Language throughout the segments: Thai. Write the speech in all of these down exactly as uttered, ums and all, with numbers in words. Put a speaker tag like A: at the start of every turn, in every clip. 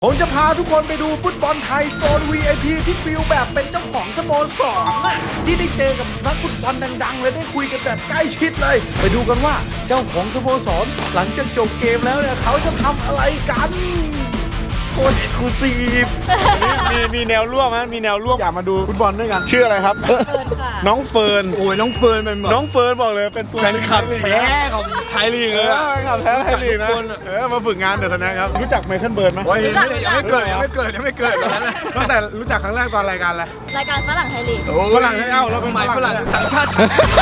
A: ผมจะพาทุกคนไปดูฟุตบอลไทยโซน วี ไอ พี ที่ฟีลแบบเป็นเจ้าของสโมสรน่ะที่ได้เจอกับนักฟุตบอลดังๆเลยได้คุยกันแบบใกล้ชิดเลยไปดูกันว่าเจ้าของสโมสรหลังจากจบเกมแล้วเนี่ยเขาจะทำอะไรกันโคตรเอ็กซ์คลูซีฟ
B: มีมีแนวร่วมไหมมีแนวร่วมอยากมาดูฟุตบอลด้วยกันชื่ออะไรครับ
C: เฟิร์นค่ะ
B: น้องเฟิร์น
D: โอ้ยน้องเฟิร์นเป็นแบบ
B: น้องเฟิร์นบอกเลยเป็นตัว
D: แฟนคลับแท้ของไทยลีก
B: เอ
D: เลย
B: อ
D: อะ
B: แฟนคลับแท้ไทยลีกนะเออมาฝึกงานเดี๋ยวนะครับรู้จักไมเคิลเบิร์นไหม
D: โอ้ยยังไม่ยังไม่เกิดยังไม่เกิดยังไม่เกิดตอนนั้น
B: ตั้งแต่รู้จักครั้งแรกตอนรายการอะไร
C: รายการฝรั่งไทยลีก
B: ฝรั่งให้เอ้าเราเป็น
D: หมายฝรั่งต่างชาติ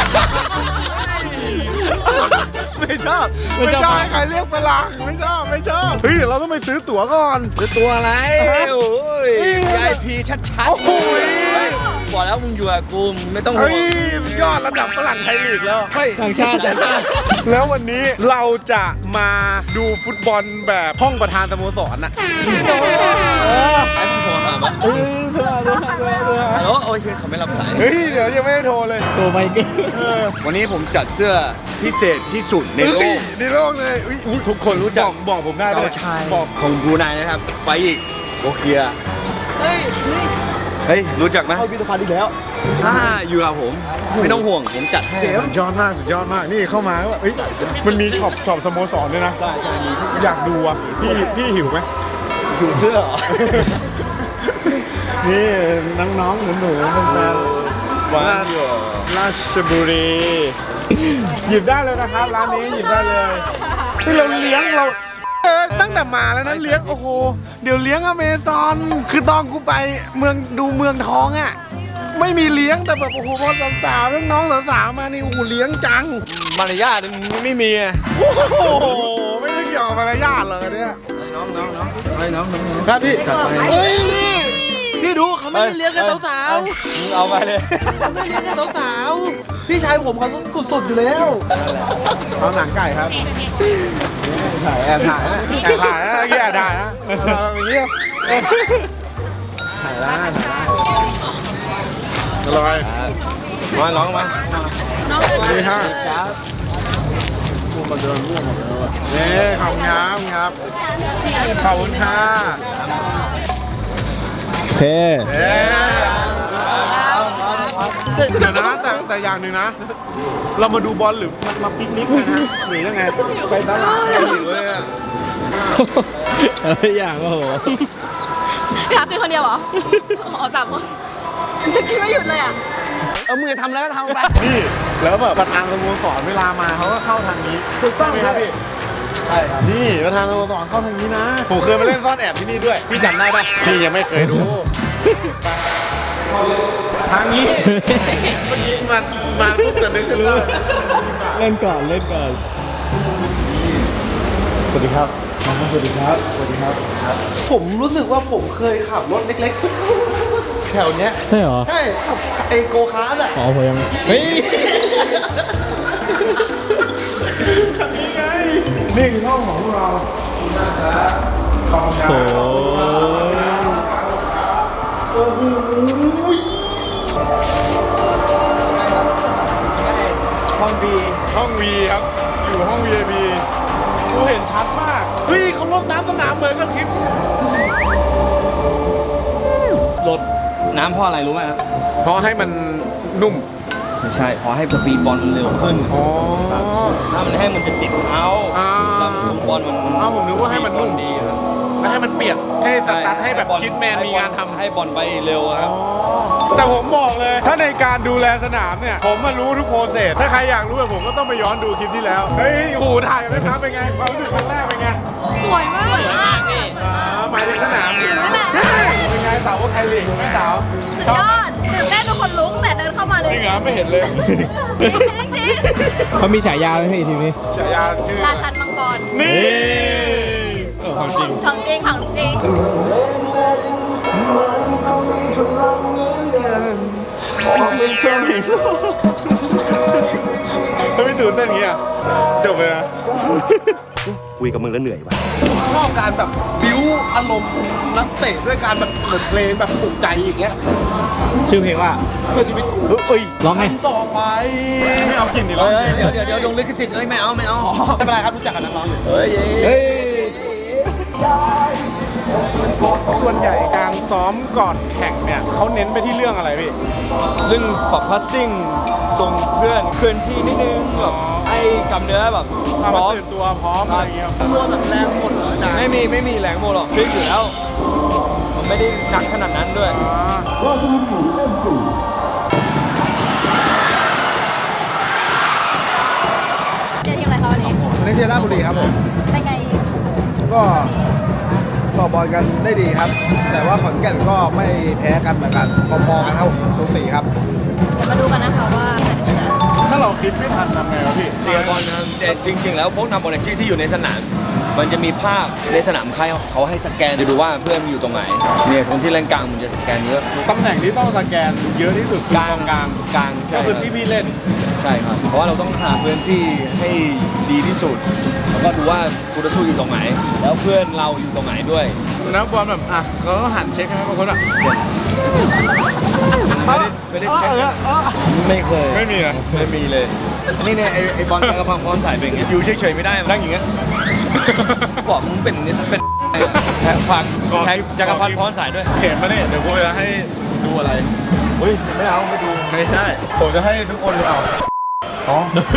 D: ไม่ชอบ
B: ไม่ชอบให้ใครเรียกฝรั่งไม่ชอบไม่ชอบเฮ้ยเดี๋ยวเราต้องไปซื้อตั๋วก่อน
D: คือตัวอะไรโอ้ย วี ไอ พี ชัดๆ
B: โอ้โห
D: บอกแล้วมึงอยู่กับกูมึงไม่ต้องห่
B: เฮ้
D: วย ง
B: ยอดระดับฝรั่งไทยลีกแล้ว
D: เฮ้ย
B: ต่างชาติต่างชาติแล้ววันนี้เราจะมาดูฟุตบอลแบบห้องประธานสโมสรน่ะ
D: ไอ้ผู้โทรหาปะ
B: เฮ้ยเธอเธอเธอเธอ
D: ฮัลโหลโอ้ยเขาไม่รับสาย
B: เฮ้ยเดี๋ยวยังไม่ได้โทรเลยโทรไปกัน
D: วันนี้ผมจัดเสื้อพิเศษที่สุดในโลก
B: ในโลกเลยอุ๊ยอุ๊ยทุกคนรู้จักบอกบอกผมได้ด้
D: เจ้า
B: วย
D: ชาย
B: บอก
D: ของบรูไนนะครับไปอีกโอเคีย
C: เฮ้ยเฮ้ย
D: เฮ้ยรู้จักไหม
B: เข้าพิพิธภัณฑ์อีกแล้ว
D: ถ้าอยู่กับผมไม่ต้องห่วงผมจัดให้
B: สุดยอดมากสุดยอดมากนี่เข้ามาแล้วแบบเฮ้ยมันมีช็อปช็อปสโมสรด้วยนะ
D: ใช่ใช่มี
B: อยากดูอ่ะพี่พี่หิวไหม
D: อยู่เสื้อเหรอ
B: นี่น้องๆหนูๆแฟนๆ
D: ว้าวอยู่
B: ราชบุรี หยิบได้เลยนะครับร้านนี้หยิบได้เลยที่เราเลี้ยงเราเออตั้งแต่มาแล้วนะเลี้ยงโอ้โหเดี๋ยวเลี้ยงอเมซอนคือตอนกูไปเมืองดูเมืองทองอ่ะไม่มีเลี้ยงแต่แบบโอ้โหพอสาวๆน้องๆสาวๆมานี่โอ้โหเลี้ยงจัง
D: มารยาทมันไม่มีอะ
B: โอ้โหไม่ได้เกี่ยวกับมารยาทเลยเนี่ย
D: น้องน้องน้องไอ้น้องน้อง
B: ครับพี่
D: จัดไป
B: เฮ้ยนี่พี่ดูเขาไม่ได้เลี้ยงแค่สาว
D: มึงเอาไปเลย
B: ๆเขาไม่ได้เลี้ยงแค่สาวๆพี่ชายผมเขาสุดๆอยู่แล้วเอาหนังไก่ครับถ่ายแอบถ่ายนะแอบถ่ายนะเมื่อกี้แอบถ่ายนะอย่างเงี้ยถ่ายได้ถ่ายได้อร่อย
D: มาน้องมา
B: นี่ฮะ
D: ครับ
B: มาเดินร่วมหมดแล้วนี่ขอบคุณครับครับขอบคุณค่ะ
D: เพ่
B: เอ๊เดี๋ยวนะแต่แต่อย่างหนึ่งนะ เรามาดูบอลหรือมันมาปิกนิกกันนะหรือยังไงไปตลาดหิวเลยอะ
E: อะไรอย่างโอ้โห
C: พี่ฮับเป็นคนเดียวเหรอ อ๋อสามคนคิดไม่หยุดเลยอ่ะ
D: เอามือทำแล้วก็ทำไป
B: นี่แล้วแบบประธานสโมสรเวลามาเขาก็เข้าทางนี้ถูกต้องไหมครับพี่ใช่ครับนี่ประธานสโมสรเข้าทางนี้นะผมเคยมาเล่นซ่อนแอบที่นี่ด้วยพี่จำได้ปะพี่ยังไม่เคยดูทางนี้เมื่อกี้มามาปุ๊บจะนึกขึ้นได้
E: เล่นก่อนเล่นก่อน
B: สวัสดีครับสวัสดีครับสวัสดีครับ ผมรู้สึกว่าผมเคยขับรถเล็กๆแถวเนี้ย
E: ใช่เหรอ
B: ใช่ขับไอโกคาร์ดอะ
E: อ๋อผมยังเฮ้ย
B: คันนี้ไงนี่คือห้องของเราขอบคุณค
E: โอ้
B: รับ โอ้โหห้องบีห้องวีครับ อยู่ห้อง วี ไอ พี กูเห็นชัดมาก เฮ้ยเขาลดน้ำสนามเหมือนกับคลิป
D: รถน้ำเพราะอะไรรู้ไหมครับ
B: เพราะให้มันนุ่ม
D: ไม่ใช่เพราะให้สปีดบอลมันเร็วขึ้น
B: อ๋อ
D: ถ้ามันให้มันจะติดเท้า
B: อ่า
D: แล้วมันสมบอลมัน
B: อ้าวผมนึกว่าให้มันนุ่ม
D: สปีดบอลดีครับ
B: แล้วให้มันเปียกให้สตาร์ทให้แบบ
D: บอล
B: คิดแมนมีงานทำ
D: ให้บอลไปเร็วครับ
B: แต่ผมบอกเลย ถ้าในการดูแลสนามเนี่ย ผมมารู้ทุกโปรเซส ถ้าใครอยากรู้แบบผมก็ต้องไปย้อนดูคลิปที่แล้ว เฮ้ยโอ้โหถ่ายกันไหมครับเป็นไงความรู้สึกครั้งแรกเป็นไง
C: สวยมากสวยมากพี่
B: อ่าหมายถึงสนาม
C: นั่นแหละ
B: เป็นไงสาวไทยลีกไหมสาว
C: สุดยอดตื่นเต้นทุกคนลุกแต่เดินเข้ามาเลย
B: จริงเหรอไม่เห็นเลย
C: จริงจริงจริง
E: เขามีฉายาไหมพี่ทีมนี้
B: ฉายาชื่อ
C: ราชันมังกร
B: นี่
E: เออความจริง
C: ของจริงของจริง
B: ถ้าไม่ตื่นเต้นอย่างเงี้ยจบเลยนะ
D: คุยกับมึงแล้วเหนื่อยว่ะ
B: ชอบการแบบบิ้วอารมณ์นักเตะด้วยการแบบเปิดเพลงแบบปลุกใจอย่างเงี้ย
E: ชื่อเพลงว่า
B: เพื่อชีวิตกู
E: เอ้ยร้องไง
B: ต่อไปไม่เอากลิ่นดิร้อง
D: เฮ้ยเดี๋ยวเดี๋ยวเดี๋ยวโดนลิขสิทธิ์เอ้ยไม่เอาไม่เอา
B: ไม่เป็นไรครับรู้จักกับนักร้องอยู่
D: เฮ้ย
E: เฮ้ย
B: ส่วนใหญ่การซ้อมก่อนแข่งเนี่ยเขาเน้นไปที่เรื่องอะไรพี่
D: เรื่องปรับพัสซิ่งส่งเพื่อนเคลื่อนที่นิดนึงแบบให้กำเนื้อแบบพ
B: พร้
D: ร้
B: อ
D: อ
B: ม
D: ม
B: ตื่นตัวพร้อมอะไรอย่างเงี้ยครับ
A: ตัวแบบแรงหมดเหรออาจารย์
D: ไม่มีไม่มีแรงโมหรอกฟิกอยู่แล้วมันไม่ได้หนักขนาดนั้นด้วย
C: เชียร์ทีมอะไรคะวันนี้
F: ในเชียร์ราชบุรีครับผม
C: เป็นไง
F: ก็
C: วันนี้
F: ต่อบอลกันได้ดีครับ แต่ว่าขอนแก่นก็ไม่แพ้กันเหมือนกันพอๆกันครับสูสีครับ
C: เดี๋ยวมาดูกันนะคะว่าจะได้ชนะ
B: ถ้าเราคิดไม่ทันทำไงวะพี่
D: เตียบอลนะแต่จริง ๆ แล้วพวกนำบอลอาชีพที่อยู่ในสนาม มันจะมีภาพในสนามค่ายเขาให้สแกนจะดูว่าเพื่อนอยู่ตรงไหนเนี่ยคนที่เล่นกลางมันจะสแกนเยอะ
B: ตำแหน่งที่ต้องสแกนเยอะที่สุด
D: กลางกลางกลาง
B: ก็
D: ใช่
B: คือ
D: รับ
B: ที่พี่เล่น
D: ใช่ครับ เพราะว่าเราต้องหาพื้นที่ให้ดีที่สุด แล้วก็ดูว่าคูตสู้อยู่ตรงไหน แล้วเพื่อนเราอยู่ตรงไหนด้วย
B: นักบอลแบบอ่ะเขาก็หันเช็คให้บางคนอ่ะ
D: ไม่ได้ไม่ได้เช็คนะไม่เคย
B: ไม่มีนะ
D: ไม่มีเลย นี่เนี่ยไอ้ไอ้บอลจักรพันธ์พรสายเป็นอย่างเงี้ยอยู่เฉยๆไม่ได้นั่งอย่างเงี้ย บอกมึงเป็นนี่เป็นแท็กฝากแท็กจักรพันธ์พรสายด้วย
B: เขียนมาเนี่ยเดี๋ยวกูจะให้ดูอะไรเฮ้ยไม่เอาไม่ดูไม่ใช่ผมจะให้ทุกคนดูเอาอ๋อ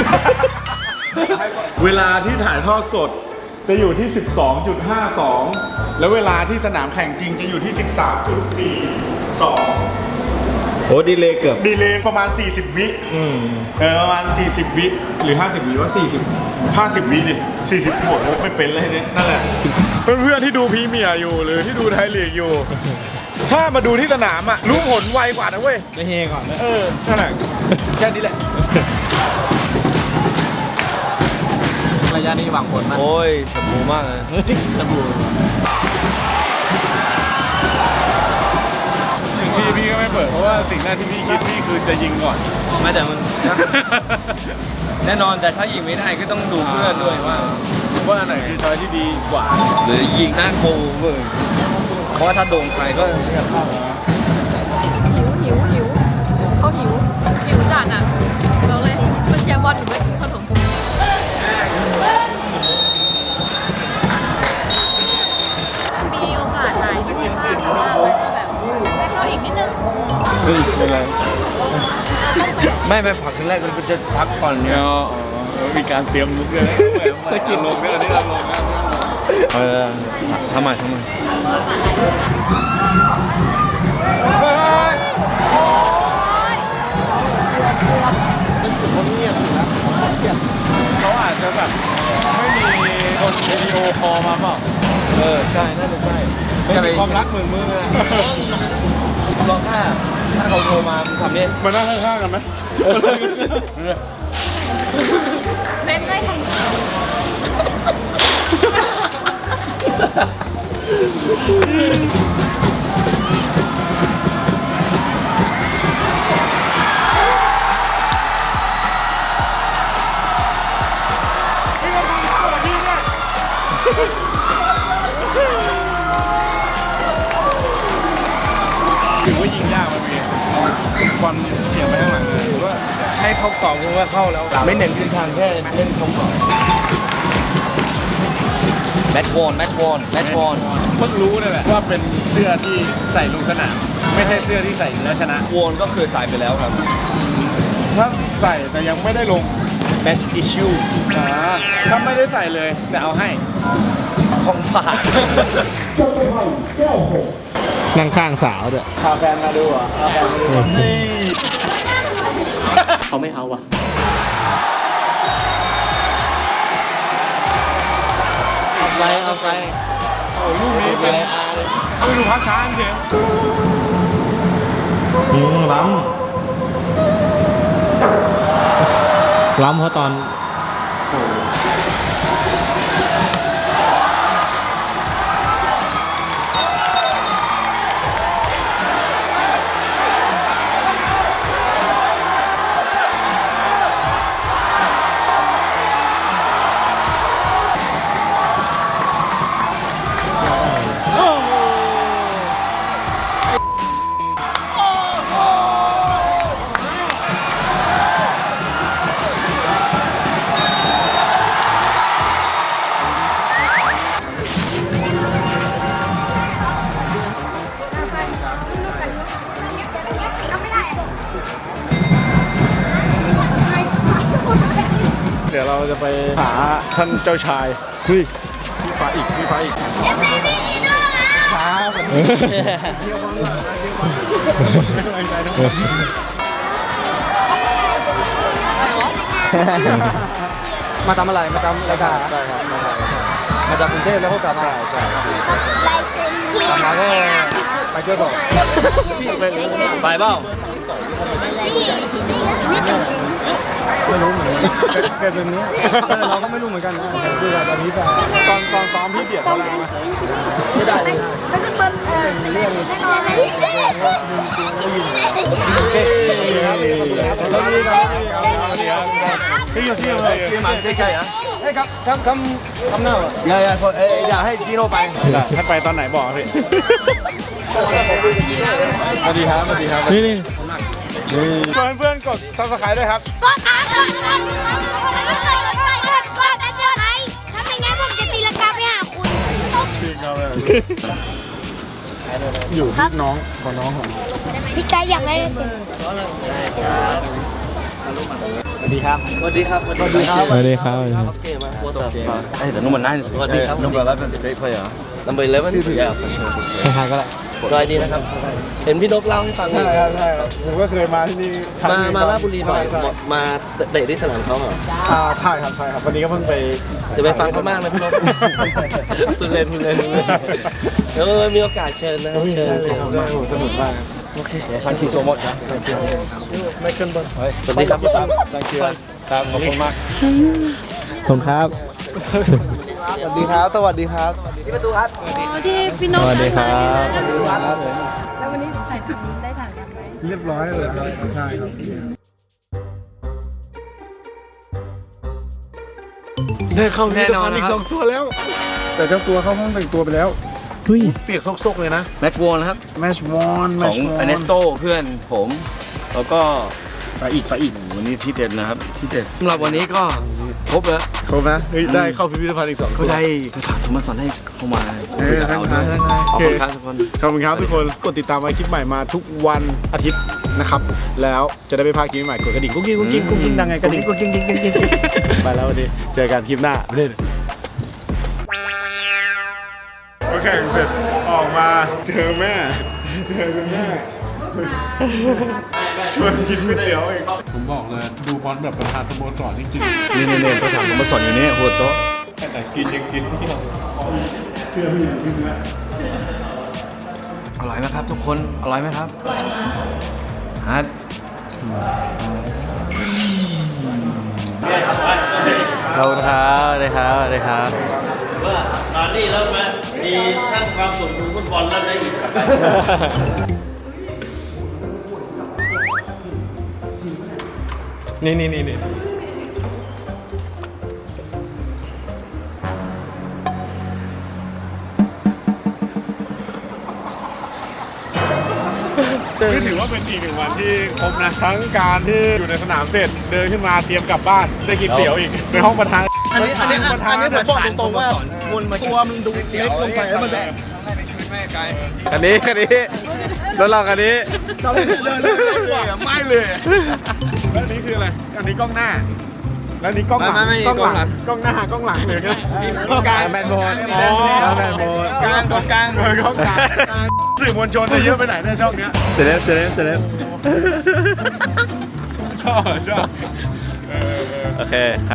B: เวลาที่ถ่ายทอดสดจะอยู่ที่ สิบสองจุดห้าสอง แล้วเวลาที่สนามแข่งจริงจะอยู่ที่ สิบสามจุดสี่สอง
D: โอ้ดีเลยเกือบ
B: ดีเลย์ประมาณ สี่สิบ วิเออประมาณ สี่สิบ วิหรือ ห้าสิบ วิว่า สี่สิบ ห้าสิบ วิดิสี่สิบโหดไม่เป็นเลยเนี่ยนั่นแหละ เพื่อนๆที่ดูพรีเมียร์อยู่หรือที่ดูไทยลีกอยู่ ถ้ามาดูที่สนามอ่ะรู้ผลไวกว่านะเว้ย
E: ไม่เฮก่อนนะ
B: เออนั่นแหละแค่นี้แหละ
E: ระยะนี้หวังผลมาก
D: โอ้ยสบู่มากเลย
E: สบู่
B: ถึงพี่พี่ก็ไม่เปิดเพราะว่าสิ่งแรกที่พี่คิดพี่คือจะยิงก่อน
D: ไม่แต่มัน แน่นอนแต่ถ้ายิงไม่ได้ก็ต้องดูเพื่อนด้วยว่า
B: ว่าอันไหนคือช้อยที่ดีกว่า
D: หรือยิงหน้าโกลเว้ยเพราะว่าถ้าโดนใครก็ไม่เข้า
C: หิวหิวหิวเขาหิวหิวจัดนะบอกเลยมันเชียร์บอลอยู่ไม่กินขนมมีโอกาสหายที่บ้างแต่ว่าก็แบบให้เข้าอีกนิดนึง
D: เฮ้ยเป็นไรไม่ไม่ผักครั้งแรกมันจะพักก่อนเนี่ย
B: อ๋อมีการเตรียมลุกด้วยนะสกิลลงเนี่ยอันนี้เราลงนะ
D: เออทำไมทำไม
C: โอ้ย
B: เขาเงียบอยู่นะเขาอาจจะแบบไม่มีคนวิดีโอคอลมาเปล่า
D: เออใช่น่าจะใช่
B: ไม่มีความรักเหมือนมึงเลย
D: ลองถ้าถ้าเขาโทรมามึงทำเนี่ย
B: มานั่งข้างๆกันไหม
C: เล่นได้ทั้ง
B: ถือว่ายิงยากมันมีบอลเฉียบไปข้างหลังเลยถือว่า
D: ให้เข้ากล่องมึงว่าเข้าแล้ว ไม่เน้นขึ้นทางแค่เล่นเข้ากล่องแมตช์วอนแมตช์วอนแมตช์วอน
B: เพิ่งรู้เลยแหละว่าเป็นเสื้อที่ใส่ลงสนามไม่ใช่เสื้อที่ใส่แล้วชนะ
D: วอนก็คือสายไปแล้วครับ
B: ถ้าใส่แต่ยังไม่ได้ลง
D: แมตช์อิชชู
B: อ่าถ้าไม่ได้ใส่เลยแต่เอาให้
D: ของฝาก
E: นั่งข้างสาวด้วย
B: พาแฟนมาดูอ่ะพาแฟนมาดูนี่
E: เขาไม่เอาว่ะ เอาไปเอาไป
B: โอ้ลูกนี้เป็นเอาไปดูพักช้างเฉย
E: อืมล้ำล้ำเพราะตอน
B: จะไปหาท่านเจ้าชายเฮ้ยพี่ฟ้าอีกพี่ฟ้าอีกฟ้าแบบนี้เที่ยวบอลเที่ยวบอลไม่ต้องใจทั้งหมดมาทำอะไรมาทำรายการใช่ครับมาจากกรุงเทพแล้วก็กลับมาใช่ใช่กลับมาก็ไปเที่ยวต่อไปเปล่าไม่รู้เหมือนกันเป็นแบบนี้เราก็ไม่รู้เหมือนกันนะคือตอนนี้จะตอนตอนซ้อมพี่เบียดเขาแล้วไม่ได้เลยเป็นเรื่องแล้วนี่ครับที่อยู่ที่เลยที่มาใช่ๆอ่ะเฮ้ยครับคำคำคำหน้าอย่าอย่าเอ้ยอย่าให้จีโร่ไปถ้าไปตอนไหนบอกพี่สวัสดีครับสวัสดีครับนี่นี่ชวนเพื่อนกดซับสไครต์ด้วยครับ
G: กดอ่ะกดกดกดกดกดอันเดียวไหนถ้าไม่งั้นผมจะตีลังกาไปหาคุณ
B: อยู่ที่น้องกับน้องของ
G: พี่กายอยากได้สิ
B: สวัสดีครับ
D: สวัสดีครับ
E: สวัสดีครับ สวัสดีครับ
D: Okay, man. What's up? Hey, the number nine is what? Number eleven is a great player.
E: number eleven yeah for sure ใครๆก็ได้
H: สวัสดีนะครับ เห็นพี่นกเล่าให้ฟัง
B: ใช่ครับใช่ครับผมก็เคยมาที่นี่
H: มามาราชบุรีบ่อยมาเตะที่สนามเขาเหรอ
B: อ่าใช่ครับใช่ครับวันนี้ก็เพิ่งไป
H: จะไปฟังเขามากนะพี่นกคุณเล่นคุณเล่นเออมีโอกาสเชิญนะครับเชิญเชิญ
B: ใช่ผมสนุกมากโอเค thank you so much ครับ thank you ไม่ขึ้นบน
H: สวัสดีครับพี่ตั้ม
B: thank you ครับขอบคุณมาก
E: ผมครับ
B: สวัสดีครับสวัสดีครับ
G: ที่พี่น
E: ส
G: ก
E: วัสดีครับ
G: แล้ววันนี้ใส่ถุงได้ถ่ายกันไหม
B: เรียบร้อยเลยครับใช่ครับได้เข้าแน่นอนอีกสองตัวแล้ว แต่เจ้าตัวเข้าห้องแต่งตัวไปแล้ว
E: เฮ้ย
B: เปียกซกๆเลยนะ
D: แมตช์วอลนะครับ
B: แมชวอนแม
D: ของ
B: ชวอน
D: อเนสโตเพื่อนผม แล้วก็
B: ฝาอีกฝาอีก
D: วันนี้ที่เด็ดนะครับที่เด็ดสำหรับวันนี้ก็ครบแล้ว
B: ครบนะเฮ้ยได้เข้าพิพิธภัณฑ์อีกสอง
D: ก็ได้ฝากสมสอนให้เข้ามา
B: เออ
D: คุยกับ
B: ทั้ง
D: เรา
B: ทา
D: ด้
B: ง
D: วย
B: ทั้งทาง
D: ขอบคุณครับทุกคน
B: ขอบคุณครับทุกคนกดติดตามไว้คลิปใหม่มาทุกวันอาทิตย์นะครับ แล้วจะได้ไม่พลาดคลิปใหม่กดกระดิ่งกุ๊กกิ๊กกุ๊กกิ๊กกุ๊กกิ๊กดังไงกระดิ่งกุ๊กกิ๊กกุ๊กกิ๊กกุ๊กกิ๊กไปแล้ววันนี้เจอกันคลิปหน้าเล่นโอเคเสร็จออกมาเจอแม่เจอคุณแม่ชวนกินก๋วยเตี๋ยวอีกผมบอกเลยดูบอลแบบประธานสโมสรจริงๆ
D: นี่เนี่ยประถามสมสอนอยู่นี่หัวโต๊ะ
B: แต่กินยังกินเชื่อพี่กินแล้ว
D: อร่อยไหมครับทุกคนอร่อยไหมครับฮัท
E: ขอบคุณครับสวัสดีครับสวัสดีครับ
H: ว่าตอนนี้เริ่มมามีทั้งความสุขดูฟุตบอลแล้วได้อีกครับ
B: นี่นี่นี่นี่นี่ถือว่าเป็นอีกหนึ่งวันที่ครบนะทั้งการที่อยู่ในสนามเสร็จเดินขึ้นมาเตรียมกลับบ้านได้กินเตี๋ยวอีกในห้องประธาน
H: อันนี้อันนี้อันนี้ผมบอกตรงๆว่าตัวมันดูเล็กลงไปแล้วมันจะ
B: คันนี้คันนี้รถเราคันนี้
D: ไม่เลย
B: แล้วนี่คืออะไรอันนี้กล้องหน้าแล้วนี่กล้องหลัง
D: ไม่ไม่ไม่
B: กล้องหลัง
D: กล้องหลัง
B: กล้องหน้ากล้องหลังเลยนะ
D: กลางแมนบอล
B: อ๋อ
D: แมนบอลกลางตรงกลาง
B: เออกล้องกลางสื่อมวลชนจะเยอะไปไหนในช่องเนี้ย
E: เสร็จแล้วเสร็จแล้วเสร็จแล้ว
B: ชอบชอบเออ
E: โอเค